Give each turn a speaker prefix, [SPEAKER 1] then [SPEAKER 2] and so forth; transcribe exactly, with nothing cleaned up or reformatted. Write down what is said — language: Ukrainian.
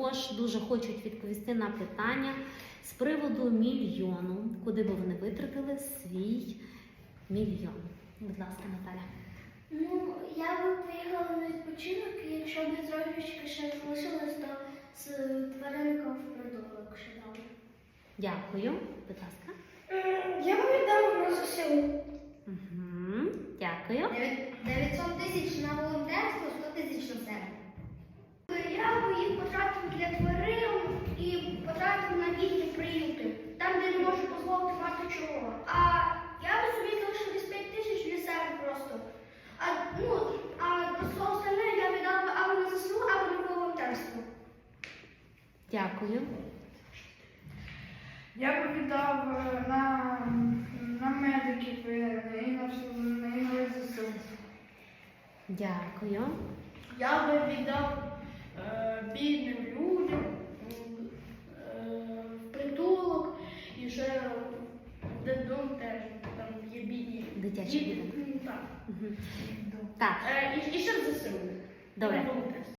[SPEAKER 1] також дуже хочуть відповісти на питання з приводу мільйону, куди би вони витратили свій мільйон. Будь ласка, Наталя.
[SPEAKER 2] Ну, я би поїхала на відпочинок, і якщо б трошечки ще залишилось, то з тваринником в притулок ще дали.
[SPEAKER 1] Дякую. Будь ласка.
[SPEAKER 2] Я б віддала на ЗСУ.
[SPEAKER 1] Угу. Дякую.
[SPEAKER 2] дев'ятсот тисяч на волонтерство, сто тисяч на себе. Я б їх потратив для тварин і потратив на дітні приюти, там, де не можу дозволити мати чого. А я б собі залишив десь п'ять тисяч для себе просто. А, ну, а все остальне я віддала або на ЗСУ, або на волонтерство.
[SPEAKER 1] Дякую.
[SPEAKER 3] Я б віддав е, на, на медиків е, і на, всю- на, і на ЗСУ.
[SPEAKER 1] Дякую.
[SPEAKER 4] Я би віддав е, бідним людям, м, е, в притулок і ще в дитдом теж, там є бідні.
[SPEAKER 1] Дитячий
[SPEAKER 4] діти.
[SPEAKER 1] будинок.
[SPEAKER 4] М, Так.
[SPEAKER 1] Угу. Так,
[SPEAKER 4] Е, і, і ще в ЗСУ.
[SPEAKER 1] добре.
[SPEAKER 4] На волонтерство.